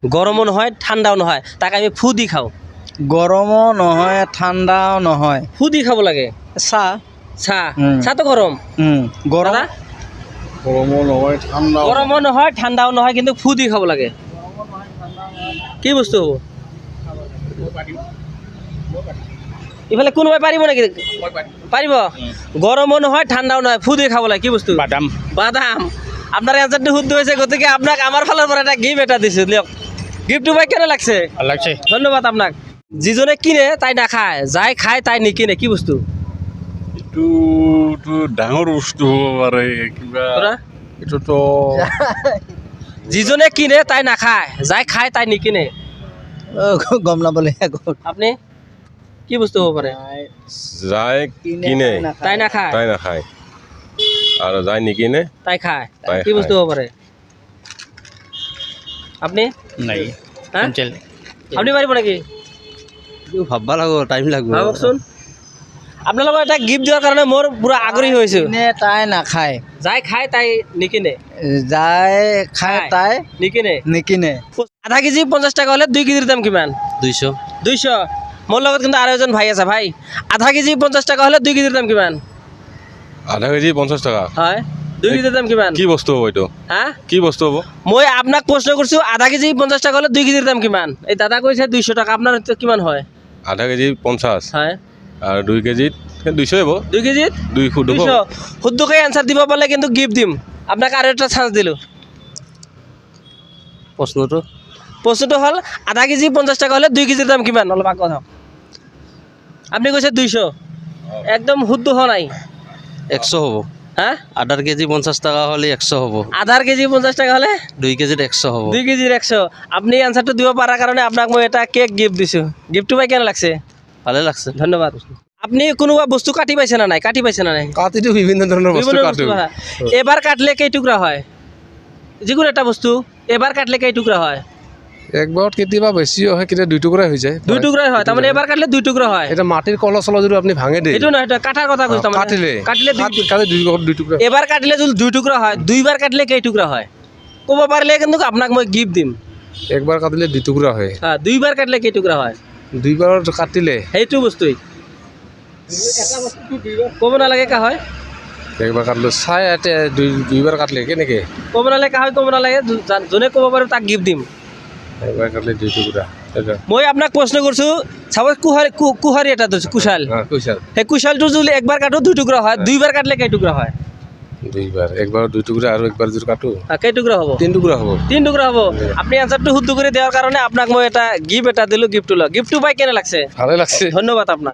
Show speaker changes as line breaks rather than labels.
গৰমো নহয় ঠাণ্ডাও নহয়, তাক আমি ফু দি খাওঁ।
গৰমো নহয় ঠাণ্ডাও নহয়।
ফু দি খাব লাগে।
চাহ।
চাহ, চাহটো গৰম।
গৰম।
দাদা?
গৰমো নহয় ঠাণ্ডা
গৰমো নহয় ঠাণ্ডাও নহয়, কিন্তু ফু দি খাব লাগে। কি বস্তু হ'ব? ইফালে কোনোবাই পাৰিব নেকি? পাৰিব? গৰমো নহয় ঠাণ্ডাও নহয়, ফু দি খাব লাগে। কি বস্তু?
বাদাম।
বাদাম। আপোনাৰ এনচাৰটো শুদ্ধ হৈছে, গতিকে আপোনাক আমাৰ ফালৰ পৰা এটা গিফ্ট এটা দিছোঁ, দিয়ক। গিফ্টটো পাই কেনে লাগছে?
ভাল লাগছে।
ধন্যবাদ আপোনাক। যিজনে কিনে তাই নাখায়, যাই খায় তাই নিকিনে। কি বস্তু?
এইটোতো ডাঙৰ বস্তু হ'ব পাৰে কিবা। এইটোতো
যিজনে কিনে তাই নাখায়, যাই খায় তাই নিকিনে।
গম নাপালে
আপুনি কি বস্তু হ'ব পাৰে?
যাই কিনে
তাই নাখায়,
তাই নাখায় আৰু যাই নিকিনে
তাই খায়।
তাই
কি বস্তু
খায়।
হ'ব পাৰে? আপুনি
নাই
হা? আপুনি পাৰিব নেকি?
ভাবব লাগিব, টাইম লাগিব।
ভাবকচোন। আপোনালোকক এটা গিফ্ট দিয়াৰ কাৰণে মোৰ পুৰা আগ্ৰহী হৈছোঁ।
তাই নাখায়,
যাই খায় তাই নিকিনে।
যাই খায় তাই
নিকিনে।
নিকিনে।
আধা কেজি 50 টাকা হ'লে 2 কেজিৰ দাম কিমান?
200।
200। মোৰ লগত কিন্তু আৰু এজন ভাই আছে। ভাই, আধা কেজি 50 টাকা হ'লে 2 কেজিৰ দাম কিমান?
আধা কেজি 50 টকা।
হয়, 2 কেজিৰ দাম কিমান?
কি বস্তু হ'ব এইটো?
হা?
কি বস্তু হ'ব?
মই আপোনাক প্ৰশ্ন কৰিছোঁ, আধা কেজি 50 টাকা হ'লে 2 কেজিৰ দাম কিমান? এই দাদা কৈছে 200 টকা। আপোনাৰ কিমান হয়?
আধা কেজি 50
হয়,
আৰু 2 কেজিত 200 হ'ব।
2 কেজিত 200। শুদ্ধকৈ এনচাৰ দিব পাৰিলে কিন্তু গিফ্ট দিম। আপোনাক আৰু এটা চান্স দিলোঁ। প্ৰশ্নটো হ'ল, আধা কেজি 50 টাকা হ'লে 2 কেজিৰ দাম কিমান? অলপ আগত হওক। আপুনি কৈছে 200। একদম শুদ্ধ হোৱা নাই।
100 হ'ব।
হা?
আধাৰ কেজি 50 টাকা হ'লে 100 হ'ব।
আধাৰ কেজি 50 টাকা হ'লে
2 কেজিত 100 হ'ব।
2 কেজিৰ 100। আপুনি এনচাৰটো দিব পৰাৰ কাৰণে আপোনাক মই এটা কেক গিফ্ট দিছোঁ। গিফ্টটো পাই কেনে লাগছে?
ভালে লাগছে।
ধন্যবাদ। আপুনি কোনোবা বস্তু কাটি পাইছে না নাই? কাটি পাইছে না নাই?
কাটিটো বিভিন্ন ধৰণৰ
বিভিন্ন বস্তু কাটা। এবাৰ কাটলে কেই টুকুৰা হয়? যিকোনো এটা বস্তু এবাৰ কাটলে কেই টুকুৰা হয়?
একবাৰত কেতিয়াবা বেছি হয়, কেতিয়াবা 2 টুকুৰাই হৈ যায়।
2 টুকুৰাই হয়। তাৰমানে এবাৰ কাটলে 2 টুকুৰা হয়।
এটা মাটিৰ কলহ চলহ যদি আপুনি ভাঙে দিয়ে
এইটো নহয়, কাটাৰ কথা কৈছোঁ।
কাটিলে
কাটিলে
কাটি 2 টুকুৰা।
এবাৰ কাটিলে যদি 2 টুকুৰা হয়, 2বাৰ কাটিলে কেই টুকুৰা হয়? ক'ব পাৰিলে কিন্তু আপোনাক মই গিফ্ট দিম।
একবাৰ কাটিলে 2 টুকুৰা হয়।
2বাৰ কাটিলে কেই টুকুৰা হয়?
2বাৰ কাটিলে
সেইটো বস্তুৱেই ক'ব নালাগে কা হয়।
একবাৰ কাটিলো চাই ইয়াতে 2বাৰ কাটিলে কেনেকৈ?
ক'ব নালাগে কা হয়, ক'ব নালাগে। যোনে ক'ব পাৰিব তাক গিফ্ট দিম।
একবাৰ কাটিলে 2 টুকুৰা।
মই আপোনাক প্ৰশ্ন কৰিছোঁ, চাপ'জ কুহাৰী এটা ধৰিছোঁ, কুশাল।
কৈছা
সেই কুশালটো যদি একবাৰ কাটো 2 টুকুৰা হয়, 2বাৰ কাটিলে কেই টুকুৰা হয়?
2বাৰ। একবাৰ 2 টুকুৰা আৰু একবাৰ যদি কাটো
কেই টুকুৰা হ'ব?
3 টুকুৰা হ'ব।
3 টুকুৰা হ'ব। আপুনি এনচাৰটো শুদ্ধ কৰি দিয়াৰ কাৰণে আপোনাক মই এটা গিফ্ট এটা দিলোঁ। গিফ্টটো লওক। গিফ্টটো পাই কেনে লাগছে?
ভালে লাগছে।
ধন্যবাদ আপোনাক।